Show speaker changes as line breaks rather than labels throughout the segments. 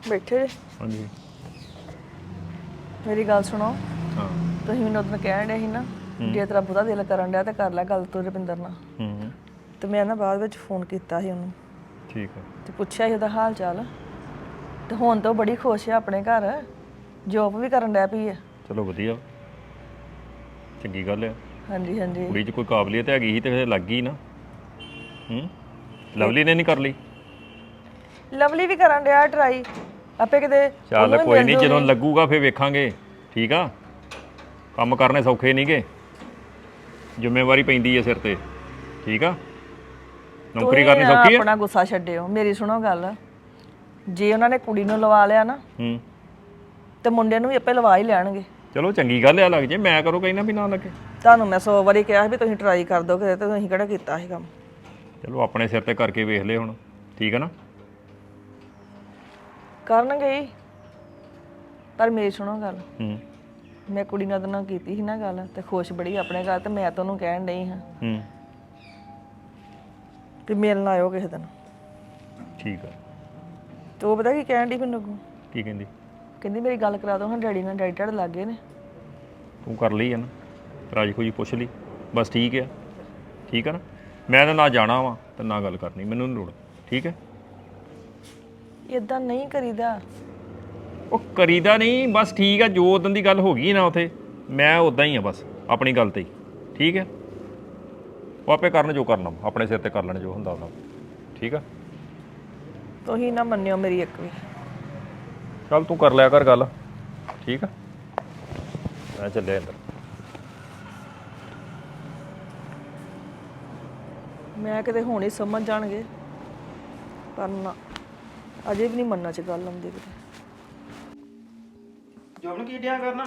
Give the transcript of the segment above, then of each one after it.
ਬੈਠੇ
ਹਾਂਜੀ
ਮੇਰੀ ਗੱਲ ਸੁਣੋ
ਹਾਂ
ਤੁਸੀਂ ਮੈਨੂੰ ਉਦੋਂ ਕਹਿਣ ਡਏ ਸੀ ਨਾ ਜੇ ਤੇਰਾ ਬਹੁਤਾ ਦਿਲ ਕਰਨ ਡਿਆ ਤੇ ਕਰ ਲੈ ਗੱਲ ਤੂੰ ਰੁਪਿੰਦਰ ਨਾਲ
ਹੂੰ
ਤੇ ਮੈਂ ਨਾ ਬਾਅਦ ਵਿੱਚ ਫੋਨ ਕੀਤਾ ਸੀ ਉਹਨੂੰ
ਠੀਕ ਹੈ
ਤੇ ਪੁੱਛਿਆ ਸੀ ਉਹਦਾ ਹਾਲ ਚਾਲ ਤੇ ਹੁਣ ਤਾਂ ਉਹ ਬੜੀ ਖੁਸ਼ ਆ ਆਪਣੇ ਘਰ ਜੋਬ ਵੀ ਕਰਨ ਡਿਆ ਪਈ ਆ
ਚਲੋ ਵਧੀਆ ਚੰਗੀ ਗੱਲ ਆ
ਹਾਂਜੀ ਹਾਂਜੀ
ਕੁੜੀ 'ਚ ਕੋਈ ਕਾਬਲੀਅਤ ਹੈਗੀ ਸੀ ਤੇ ਫਿਰ ਲੱਗ ਗਈ ਨਾ ਹੂੰ ਲਵਲੀ ਨੇ ਨਹੀਂ ਕਰ ਲਈ
ਲਵਲੀ ਵੀ ਕਰਨ ਡਿਆ ਟਰਾਈ ਆਪੇ ਕਿਤੇ
ਚੱਲ
ਉਹਨੂੰ ਵੀ
ਕੋਈ
ਮਿਲ
ਨਹੀਂ ਜਦੋਂ
ਜੂਗੀ।
ਲੱਗੂਗਾ ਫਿਰ ਵੇਖਾਂਗੇ ਠੀਕ ਆ ਕੰਮ ਕਰਨੇ ਸੌਖੇ ਨਹੀਂਗੇ ਜ਼ਿੰਮੇਵਾਰੀ ਪੈਂਦੀ ਹੈ ਸਿਰ ਤੇ ਠੀਕ ਆ ਨੌਕਰੀ
ਤੁਸੀਂ
ਕਰਨੀ ਸੌਖੀ ਹੈ
ਆਪਣਾ ਗੁੱਸਾ ਛੱਡਿਓ ਮੇਰੀ ਸੁਣੋ ਗੱਲ ਜੇ ਉਹਨਾਂ ਨੇ ਕੁੜੀ ਨੂੰ ਲਵਾ ਲਿਆ ਨਾ
ਹੂੰ
ਤੇ ਮੁੰਡੇ ਨੂੰ ਵੀ ਆਪੇ ਲਵਾ ਹੀ ਲੈਣਗੇ
ਚਲੋ ਚੰਗੀ ਗੱਲ ਆ ਲੱਗ ਜੇ ਮੈਂ ਕਰੋ ਕਹਿੰਦਾ ਵੀ ਨਾ ਲੱਗੇ
ਤੁਹਾਨੂੰ ਮੈਂ 100 ਵਾਰੀ ਕਿਹਾ ਸੀ ਵੀ ਤੁਸੀਂ ਟਰਾਈ ਕਰ ਦਿਓ ਕਿਤੇ ਤੇ ਤੁਸੀਂ ਕਿਹੜਾ ਕੀਤਾ ਸੀ ਕੰਮ
ਚਲੋ ਆਪਣੇ ਸਿਰ ਤੇ ਕਰਕੇ ਵੇਖ ਲਏ ਹੁਣ ਠੀਕ ਹੈ ਨਾ
ਕਰਨਗੇ ਹੀ ਪਰ ਮੇਰੀ ਸੁਣੋ ਗੱਲ
ਹੂੰ
ਮੈਂ ਕੁੜੀ ਨਾਲ ਉਹਦੇ ਨਾਲ ਕੀਤੀ ਸੀ ਨਾ ਗੱਲ ਤੇ ਖੁਸ਼ ਬੜੀ ਆਪਣੇ ਘਰ ਤੇ ਮੈਂ ਤਾਂ ਉਹਨੂੰ ਕਹਿਣ ਡਈ ਹਾਂ
ਹੂੰ
ਵੀ ਮਿਲਣ ਆਇਓ ਕਿਸੇ ਦਿਨ
ਠੀਕ ਆ
ਤੇ ਉਹ ਪਤਾ ਕੀ ਕਹਿਣ ਡਈ ਮੈਨੂੰ ਅੱਗੋਂ?
ਕੀ ਕਹਿੰਦੀ
ਕਹਿੰਦੀ ਮੇਰੀ ਗੱਲ ਕਰਾ ਦਿਓ ਹਾਂ ਡੈਡੀ ਨਾਲ ਡੈਡੀ ਤੁਹਾਡੇ ਲੱਗੇ ਨੇ
ਤੂੰ ਕਰ ਲਈ ਆ ਨਾ ਰਾਜੀ ਖੁਜੀ ਪੁੱਛ ਲਈ ਬਸ ਠੀਕ ਆ ਨਾ ਮੈਂ ਤਾਂ ਨਾ ਜਾਣਾ ਵਾ ਤੇ ਨਾ ਗੱਲ ਕਰਨੀ ਮੈਨੂੰ ਨਹੀਂ ਲੋੜ ਠੀਕ ਹੈ
ਇਦਾਂ ਨਹੀਂ ਕਰੀਦਾ
ਉਹ ਕਰੀਦਾ ਨਹੀਂ ਬਸ ਠੀਕ ਆ ਜੋ ਉਦੋਂ ਦੀ ਗੱਲ ਹੋ ਗਈ ਨਾ ਉਥੇ ਮੈਂ ਉਦਾਂ ਹੀ ਆ ਬਸ ਆਪਣੀ ਗੱਲ ਤੇ ਹੀ ਠੀਕ ਹੈ ਉਹ ਆਪੇ ਕਰਨ ਜੋ ਕਰਨਾ ਆਪਣੇ ਸਿਰ ਤੇ ਕਰ ਲੈਣ ਜੋ ਹੁੰਦਾ ਉਹਨਾਂ ਠੀਕ ਆ
ਤੁਸੀਂ ਨਾ ਮੰਨਿਓ ਮੇਰੀ ਇੱਕ ਵੀ
ਚੱਲ ਤੂੰ ਕਰ ਲਿਆ ਕਰ ਗੱਲ ਠੀਕ ਆ ਮੈਂ ਚੱਲਿਆ ਅੰਦਰ
ਮੈਂ ਕਿਤੇ ਹੁਣ ਹੀ ਸਮਝ ਜਾਣਗੇ ਪਰ ਨਾ ਅਜੇ ਵੀ ਨਹੀਂ ਮੰਨਣਾ ਚ ਗੱਲ ਆਉਂਦੀ ਕਿਤੇ
ਜੋਬਨ ਕੀ ਡਿਆ ਕਰਨਾ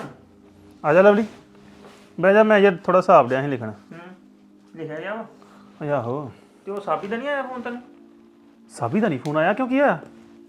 ਆ ਜਾ ਲਵਲੀ ਬਹਿ ਜਾ ਮੈਂ ਯਾਰ ਥੋੜਾ ਹਿਸਾਬ ਡਿਆ ਸੀ ਲਿਖਣਾ
ਲਿਖਿਆ ਗਿਆ ਵਾ
ਓਏ ਆਹੋ
ਤੇ ਉਹ ਸਾਬੀ ਦਾ ਨਹੀਂ ਆਇਆ ਫੋਨ ਤੈਨੂੰ
ਸਾਬੀ ਦਾ ਨਹੀਂ ਫੋਨ ਆਇਆ ਕਿਉਂ ਕੀ ਆ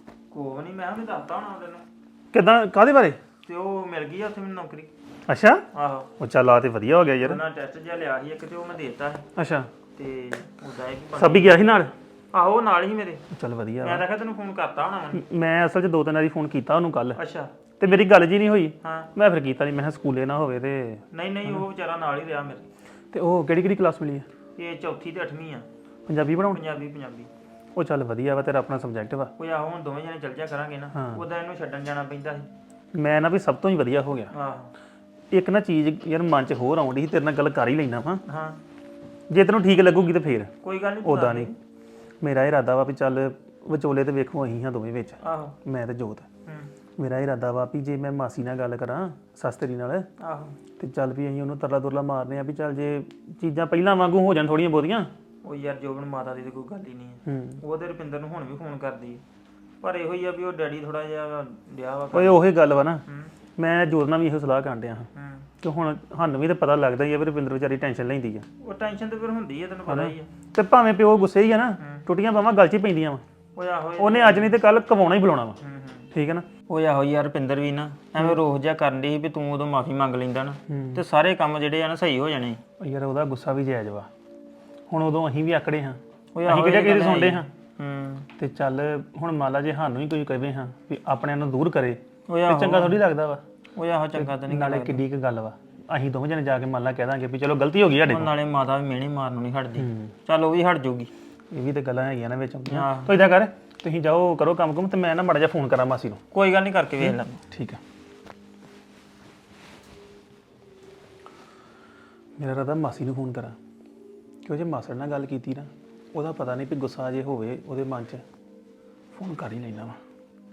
ਕੋਹ ਨਹੀਂ ਮੈਂ ਵੀ ਦੱਸਤਾ ਹੋਣਾ ਤੈਨੂੰ
ਕਿਦਾਂ ਕਾਹਦੇ ਬਾਰੇ
ਤੇ ਉਹ ਮਿਲ ਗਈ ਆ ਉੱਥੇ ਮੈਨੂੰ ਨੌਕਰੀ
ਅੱਛਾ
ਆਹੋ
ਉਹ ਚੱਲ ਆ ਤੇ ਵਧੀਆ ਹੋ ਗਿਆ ਯਾਰ
ਉਹਨਾਂ ਟੈਸਟ ਜਿਹਾ ਲਿਆ ਸੀ ਇੱਕ ਤੇ ਉਹ ਮੈਂ ਦੇਤਾ ਸੀ
ਅੱਛਾ
ਤੇ ਉਹਦਾ ਇਹ ਵੀ
ਸਾਬੀ ਗਿਆ ਸੀ ਨਾਲ
ਆਹੋ ਉਹ ਨਾਲ ਹੀ ਮੇਰੇ
ਚੱਲ ਵਧੀਆ
ਮੈਂ ਤਾਂ ਕਿਹਾ ਤੈਨੂੰ ਫੋਨ ਕਰਤਾ ਹੋਣਾ ਮੈਂ
ਮੈਂ ਅਸਲ 'ਚ ਦੋ ਤਿੰਨ ਵਾਰੀ ਫੋਨ ਕੀਤਾ ਉਹਨੂੰ ਕੱਲ
ਅੱਛਾ
ਤੇ ਮੇਰੀ ਗੱਲ ਜੀ ਨਹੀਂ ਹੋਈ
ਹਾਂ
ਮੈਂ ਫਿਰ ਕੀਤਾ ਨਹੀਂ ਮੈਂ ਕਿਹਾ ਸਕੂਲੇ ਨਾ ਹੋਵੇ ਤੇ
ਨਹੀਂ ਉਹ ਵਿਚਾਰਾ ਨਾਲ ਹੀ ਰਿਹਾ ਮੇਰੇ
ਤੇ ਉਹ ਕਿਹੜੀ ਕਲਾਸ ਮਿਲੀ ਆ
ਇਹ ਚੌਥੀ ਤੇ 8ਵੀਂ ਆ
ਪੰਜਾਬੀ ਪੜਾਉਣ
ਪੰਜਾਬੀ
ਉਹ ਚੱਲ ਵਧੀਆ ਵਾ ਤੇਰਾ ਆਪਣਾ ਸਬਜੈਕਟ ਵਾ
ਉਹ ਆਹੋ ਹੁਣ ਦੋਵੇਂ ਜਣੇ ਚੱਲ ਜਾ ਕਰਾਂਗੇ ਨਾ ਉਹਦਾ ਇਹਨੂੰ ਛੱਡਣ ਜਾਣਾ ਪੈਂਦਾ ਸੀ
ਮੈਂ ਨਾ ਵੀ ਸਭ ਤੋਂ ਹੀ ਵਧੀਆ ਹੋ ਗਿਆ
ਆਹੋ
ਇੱਕ ਨਾ ਚੀਜ਼ ਯਾਰ ਮਨ 'ਚ ਹੋਰ ਆਉਂਦੀ ਸੀ ਤੇਰੇ ਨਾਲ ਗੱਲ ਕਰ ਹੀ ਲੈਣਾ ਵਾ
ਹਾਂ
ਜੇ ਤੈਨੂੰ ਠੀਕ ਲੱਗੂਗੀ ਤੇ ਫੇਰ
ਕੋਈ ਗੱਲ ਨਹੀਂ
ਉਦਾਂ ਨਹੀਂ ਮੇਰਾ ਇਰਾਦਾ ਵਾ ਵੀ ਚੱਲ ਵਿਚੋਲੇ ਤੇ ਵੇਖੋ ਅਸੀਂ ਹਾਂ ਦੋਵੇਂ ਵਿੱਚ
ਆਹੋ
ਮੈਂ ਤੇ ਜੋਤ
ਹੂੰ
ਮੇਰਾ ਇਰਾਦਾ ਵਾ ਵੀ ਜੇ ਮੈਂ ਮਾਸੀ ਨਾਲ ਗੱਲ ਕਰਾਂ ਸੱਸ ਤੇਰੀ ਨਾਲ
ਆਹੋ
ਤੇ ਚੱਲ ਵੀ ਅਸੀਂ ਉਹਨੂੰ ਤਰਲਾ ਦੁਰਲਾ ਮਾਰਨੇ ਆ ਵੀ ਚੱਲ ਜੇ ਚੀਜ਼ਾਂ ਪਹਿਲਾਂ ਵਾਂਗੂ ਹੋ ਜਾਣ ਥੋੜੀਆਂ ਬਹੁਤੀਆਂ
ਉਹ ਯਾਰ ਜੋਬਨ ਮਾਤਾ ਦੀ ਤੇ ਕੋਈ ਗੱਲ ਹੀ ਨਹੀਂ ਹੈ
ਹੂੰ
ਉਹਦੇ ਰੁਪਿੰਦਰ ਨੂੰ ਹੁਣ ਵੀ ਫੋਨ ਕਰਦੀ ਹੈ ਪਰ ਇਹੋ ਹੀ ਆ ਵੀ ਉਹ ਡੈਡੀ ਥੋੜਾ ਜਿਹਾ ਡਿਆ ਵਾ
ਓਏ ਉਹੀ ਗੱਲ ਵਾ ਨਾ
ਹੂੰ
ਮੈਂ ਜੋਤ ਨਾਲ ਵੀ ਇਹੋ ਸਲਾਹ ਕਰਨ ਡਿਆ ਹਾਂ
ਹੂੰ
ਕਿ ਹੁਣ ਸਾਨੂੰ ਵੀ ਤਾਂ ਪਤਾ ਲੱਗਦਾ ਹੀ ਆ ਵੀ ਰੁਪਿੰਦਰ ਵਿਚਾਰੀ ਟੈਨਸ਼ਨ ਲੈਂਦੀ ਆ
ਉਹ ਟੈਨਸ਼ਨ ਤੇ ਫਿਰ ਹੁੰਦੀ ਹੈ ਤੈਨੂੰ ਪਤਾ ਹੀ ਆ
ਤੇ ਭਾਵੇਂ ਪਿਓ ਗੁੱਸੇ ਹੀ ਆ ਨਾ ਟੁੱਟੀਆਂ ਬਾਵਾਂ ਗੱਲ 'ਚ ਹੀ ਪੈਂਦੀਆਂ ਵਾ
ਉਹ ਆਹੋ
ਉਹਨੇ ਅੱਜ ਨਹੀਂ ਤੇ ਕੱਲ ਕਵਾਉਣਾ ਹੀ ਬੁਲਾਉਣਾ ਵਾ
ਹੂੰ
ਠੀਕ ਹੈ ਨਾ
ਉਹ ਆਹੋ ਯਾਰ ਰੁਪਿੰਦਰ ਵੀ ਨਾ ਐਵੇਂ ਰੋਹ ਜਿਹਾ ਕਰਨ ਦੀ ਸੀ ਵੀ ਤੂੰ ਉਦੋਂ ਮਾਫੀ ਮੰਗ ਲੈਂਦਾ ਨਾ ਤੇ ਸਾਰੇ ਕੰਮ ਜਿਹੜੇ ਆ ਨਾ ਸਹੀ ਹੋ ਜਾਣੇ
ਉਹ ਯਾਰ ਉਹਦਾ ਗੁੱਸਾ ਵੀ ਜਾਇਜ਼ ਵਾ ਹੁਣ ਉਦੋਂ ਅਸੀਂ ਵੀ ਆਕੜੇ ਹਾਂ
ਉਹ
ਅਸੀਂ ਕਿਹੜਾ ਕਿਸੇ ਦੀ ਸੁਣਦੇ ਹਾਂ
ਹੂੰ
ਤੇ ਚੱਲ ਹੁਣ ਮੰਨ ਲਾ ਜੇ ਸਾਨੂੰ ਹੀ ਕੋਈ ਕਹੇ ਹਾਂ ਵੀ ਆਪਣਿਆਂ ਨੂੰ ਦੂਰ ਕਰੇ
ਉਹ
ਤੇ
ਆਹੋ
ਚੰਗਾ ਥੋੜੀ ਲੱਗਦਾ ਵਾ
ਉਹ ਆਹੋ ਚੰਗਾ ਤਾਂ ਨਹੀਂ
ਨਾਲੇ ਕਿੱਡੀ ਕੁ ਗੱਲ ਵਾ ਅਸੀਂ ਦੋਵੇਂ ਜਣੇ ਜਾ ਕੇ ਮੰਨ ਲਾ ਕਹਿ ਦਾਂਗੇ ਵੀ ਚਲੋ ਗਲਤੀ ਹੋ ਗਈ ਸਾਡੇ ਕੋਲ
ਨਾਲੇ ਮਾਤਾ ਵੀ ਮਿਹਣੇ ਮਾਰਨੋਂ ਨਹੀਂ ਹਟਦੀ ਚੱਲ ਉਹ ਵੀ ਹਟ ਜਾਊਗੀ
ਇਹ ਵੀ ਤੇ ਗੱਲਾਂ ਹੈਗੀਆਂ ਨਾ ਵਿੱਚ ਆਉਂਦੀਆਂ
ਆਹ।
ਤੋ ਇਦਾਂ ਕਰ ਤੁਸੀਂ ਜਾਓ ਕਰੋ ਕੰਮ ਕੁਮ ਤੇ ਮੈਂ ਨਾ ਮਾੜਾ ਜਿਹਾ ਫੋਨ ਕਰਾਂ ਮਾਸੀ ਨੂੰ
ਕੋਈ ਗੱਲ ਨਹੀਂ ਕਰਕੇ ਵੇਖ ਲੈ
ਠੀਕ ਆ ਮੇਰਾ ਰਾਦਾ ਮਾਸੀ ਨੂੰ ਫੋਨ ਕਰਾਂ ਕਿਉਂ ਜੇ ਮਾਸੜ ਨਾਲ ਗੱਲ ਕੀਤੀ ਨਾ ਉਹਦਾ ਪਤਾ ਨਹੀਂ ਵੀ ਗੁੱਸਾ ਜੇ ਹੋਵੇ ਉਹਦੇ ਮਨ 'ਚ ਫੋਨ ਕਰ ਹੀ ਲੈਣਾ ਵਾ